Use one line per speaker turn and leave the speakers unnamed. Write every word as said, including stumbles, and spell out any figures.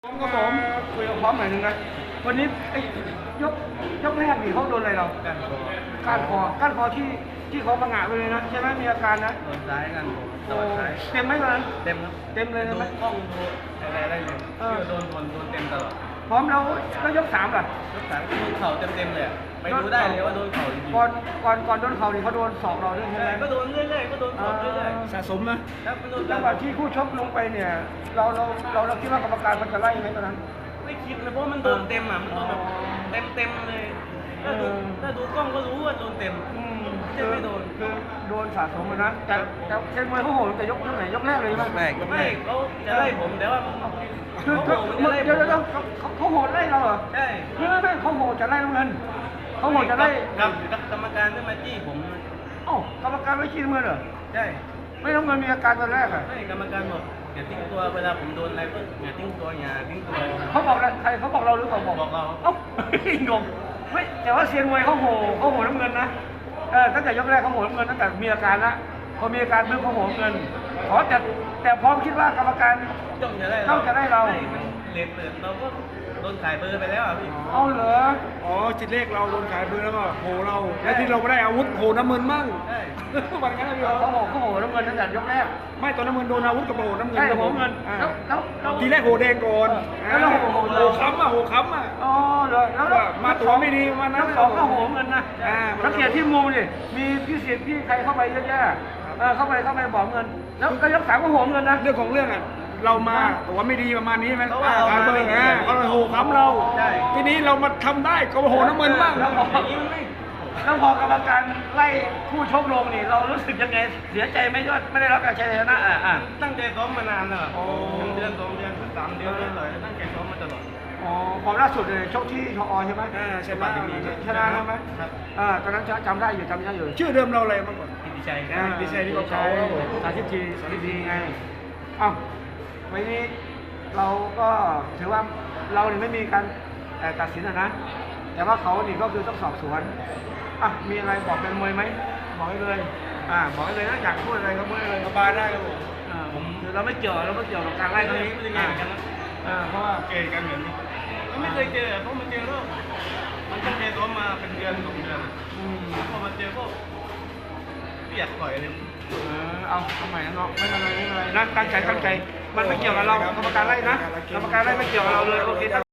พร้อมครับผมคุยกับพร้อมหน่อยนึงนะวันนี้ไอ้ยกยกแรกนี่เขาโดนอะไรเราก้านคอก้านคอก้านคอที่ที่เขาประงะไปเลยนะใช่ไหมมีอาการนะ
โดนซ้ายกันผมโดนซ้าย
เต็มไหมตอนนั้น
เต็มครับ
เต็มเลยนะไหม
กล้องดูอะไรได้เลยที่โดนโดนโดนเต็มตลอด
พร้อมแล้วแล้วยกสามล่ะ
ยกสามโดนเข่าเต็มเต็มเลยไปดูได้เลยว่าโดนเข่าจริง
ก่อนก่อนก่อนโดนเข่านี่เขาโดนศอกเราด้วยใช่ไหม
ก็โดนเรื่อยๆก็โดนศอกเรื่อย
ๆสะสมนะครับ
โดน
จังหวะที่คู่ชกลงไปเนี่ยเราเราเราเราคิดว่ากรรมการมันจะไล่ไหมตอนนั้น
ไม่คิดเลยเพราะมันโดนเต็มอ่ะมันโดนแบบเต็มเต็มเลยถ้าดูถ้าดูกล้องก็รู้ว่าโดนเต็มจะไม่โดน
คือโดนสะสมนะแต่แต่เชนมวยเขาโหดแต่ยกยกไหนยกแรกเลยไหม
แรกไม่เขาจะไล่ผมแต่ว่า
คือคือเดี๋ยวเดี๋ยวเขาเขาโหดไล่เราเหรอ
ใช่
ไม่ไม่ไม่เขาโหดจะไล่น้ำเงินเขาโหดจะไล่
กับกรรมการที่มาจี้ผม
เอ้ากรรมการไม่ชี้น้ำเงินเหรอ
ใช่
ไม่น้ำเงินมีอาการตอนแรกอ่ะ
ไม่กรรมการบอกอย่าทิ้งตัวเวลาผมโดนอะไรก็อย่าทิ้งตัวอย่าทิ้งตัว
เขาบอกอะไรใครเขาบอกเราหรือเขาบอก
บอกเรา
เอ้างงไม่แต่ว่าเซียนมวยเขาโหเขาโหน้ำเงินนะเออตั้งแต่ยกแรกเขาโหน้ำเงินตั้งแต่มีอาการละพอมีอาการเพิ่มเขาโหน้ำเงินอ๋อแต่แต่พร้อมคิดว่ากรรมการ
จ้องจะได้
เราจะได้เรา
เลนเปิดเราก็โดนขายเบอร์ไปแล้วอ่ะพี่
เอาเหรอ
อ๋อจิตเลขเราโดนขายเบอร์แล้วก็โหเราแล้วที่เราไม่ได้อาวุธโหน้ำเงินมั่ง
ใช่
วันนั้นพี่
เขาบอกเขาโหน้ำเงินตั้งแต่ยกแรก
ไม่ตอนน้ำเงินโดนอาวุธกับโหน้ำเงิน
ใช่โหเงินแล้วแล้ว
ทีแรกโหแดงก่อน
แล้วโหโห
โหค้ำอ่ะโหค้ำอ่ะ
อ๋อเหรอแล้ว
มาตัวไม่ดีวันนั้น
สองก็โหเงินนะสังเกตที่มุมดิมีพี่เสียพี่ใครเข้าไปเยอะแยะเออเข้าไปเข้าไปบอกเงินแล้วก็ยกสามก็โหเงินนะ
เรื่องของเรื่องอ่ะเรามาตัวไม่ดีประมาณนี้ไหมขายเบอร์นะเขาเลยโหค้ำเราทีนี้เรามาทำได้ก็โหน้ำเงินบ้าง
แล้วพอแล้วพอกรรมการไล่คู่ชกลงนี่เรารู้สึกยังไงเสียใจไหมว่าไม่ได้รับการชัยชนะอ่ะอ่ะ
ตั้งใจซ้อมมานานแล้วเดือนสองเดือนสามเดือนเลยตั้งใจซ้อมมาตลอด
อ๋อความล่าสุดเลยชกที่ชอใช่ไหม
อ่าใช่ไหม
ชนะใช่ไหมครับอ่าตอนนั้นจำได้อยู่จำได้อยู่
ชื่อเดิมเราอะไรมาก่อน
กิติชัย
กิติชัยที่เขาเขา
สาธิตทีสาธิตทีไงอ้าววันนี้เราก็ถือว่าเราเนี่ยไม่มีการตัดสินนะแต่ว่าเขานี่ก็คือต้องสอบสวนอ่ะมีอะไรบอกเป็นมวยไหมบอกให้เลยอ่าบอกให้เลยนะอยากพูดอะไรก็พูดเลย
สบายได้ครับผม
อ่าผมคือเราไม่เกี่ยวเราไม่เกี่ยวกับการไล่ตรงนี้
ไม่ได้เกี่ยวกันนะ
อ่าเพราะว่า
เกย์กันเหมือนนี้ไม่เคยเจอเพราะมันเจอแล้วมันตั้งใจซ้อมมาเป็นเดือนสองเดือน
อืม
พอมาเจอก็เปียกปล่อยเลย
เออเอาทำไมนะเนาะไม่เป็นไรไม่เป็นไรนะตั้งใจตั้งใจมันไม่เกี่ยวกับเรากรรมการไล่นะกรรมการไล่ไม่เกี่ยวกับเราเลยโอเค